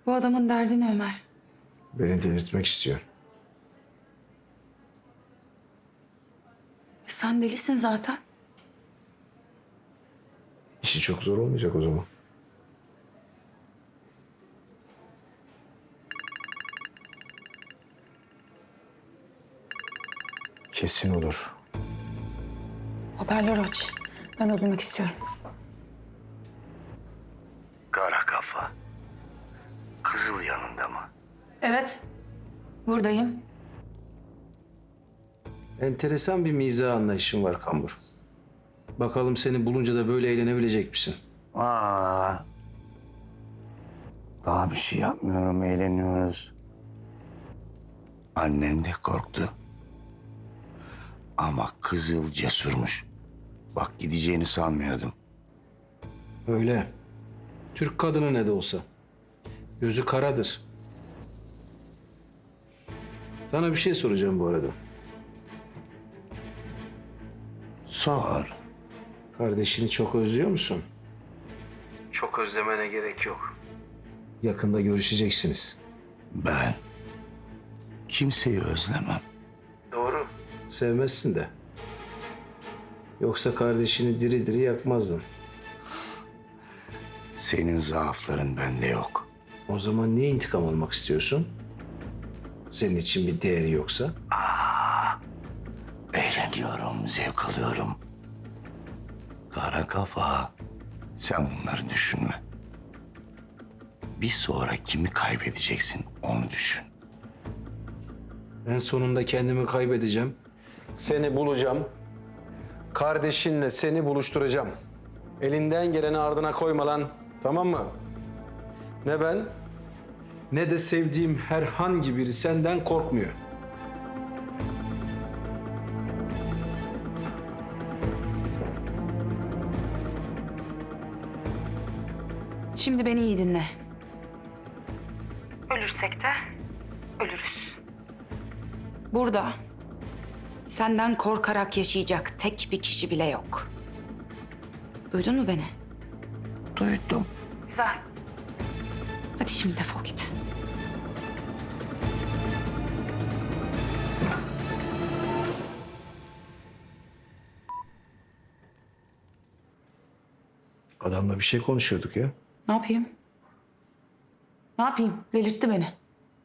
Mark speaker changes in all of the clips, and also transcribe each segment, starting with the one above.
Speaker 1: Bu adamın derdi ne Ömer?
Speaker 2: Beni delirtmek istiyor.
Speaker 1: Sen delisin zaten.
Speaker 2: İşi çok zor olmayacak o zaman. Kesin olur.
Speaker 1: Haberler aç. Ben de duymak istiyorum.
Speaker 3: Kara kafa. Kızıl yanında mı?
Speaker 1: Evet. Buradayım.
Speaker 2: Enteresan bir mizah anlayışın var Kambur. Bakalım seni bulunca da böyle eğlenebilecek misin?
Speaker 3: Aa. Daha bir şey yapmıyorum, eğleniyoruz. Annen de korktu. Ama Kızıl cesurmuş. Bak gideceğini sanmıyordum.
Speaker 2: Öyle. Türk kadını ne de olsa. Gözü karadır. Sana bir şey soracağım bu arada.
Speaker 3: Sor.
Speaker 2: Kardeşini çok özlüyor musun? Çok özlemene gerek yok. Yakında görüşeceksiniz.
Speaker 3: Ben kimseyi özlemem.
Speaker 2: Doğru. Sevmezsin de. Yoksa kardeşini diri diri yakmazdın.
Speaker 3: Senin zaafların bende yok.
Speaker 2: O zaman niye intikam almak istiyorsun? Senin için bir değeri yoksa?
Speaker 3: Eğleniyorum, zevk alıyorum. Kara kafa. Sen bunları düşünme. Bir sonra kimi kaybedeceksin onu düşün.
Speaker 2: En sonunda kendimi kaybedeceğim. Seni bulacağım. Kardeşinle seni buluşturacağım. Elinden geleni ardına koyma lan. Tamam mı? Ne ben ne de sevdiğim herhangi biri senden korkmuyor.
Speaker 1: Şimdi beni iyi dinle. Ölürsek de ölürüz. Burada senden korkarak yaşayacak tek bir kişi bile yok. Duydun mu beni?
Speaker 3: Duydum.
Speaker 1: Güzel. Hadi şimdi defol git.
Speaker 2: Adamla bir şey konuşuyorduk ya.
Speaker 1: Ne yapayım? Ne yapayım? Delirtti beni.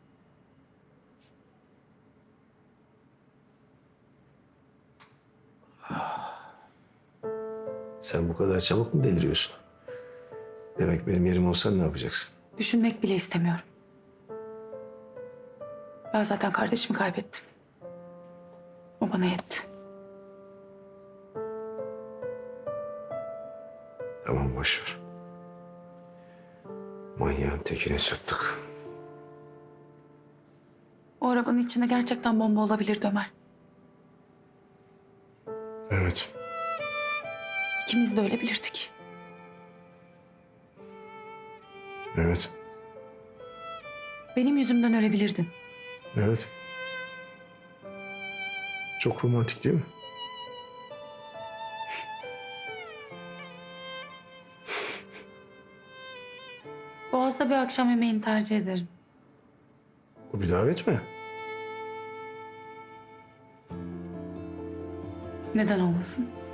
Speaker 2: Sen bu kadar çabuk mu deliriyorsun? Demek benim yerim olsan ne yapacaksın?
Speaker 1: Düşünmek bile istemiyorum. Ben zaten kardeşimi kaybettim. O bana yetti.
Speaker 2: Tamam boş ver. Manyağın tekine çattık.
Speaker 1: O arabanın içinde gerçekten bomba olabilirdi Ömer.
Speaker 2: Evet.
Speaker 1: İkimiz de ölebilirdik.
Speaker 2: Evet.
Speaker 1: Benim yüzümden ölebilirdin.
Speaker 2: Evet. Çok romantik değil mi?
Speaker 1: Boğaz'da bir akşam yemeğini tercih ederim.
Speaker 2: Bu bir davet mi?
Speaker 1: Neden olmasın?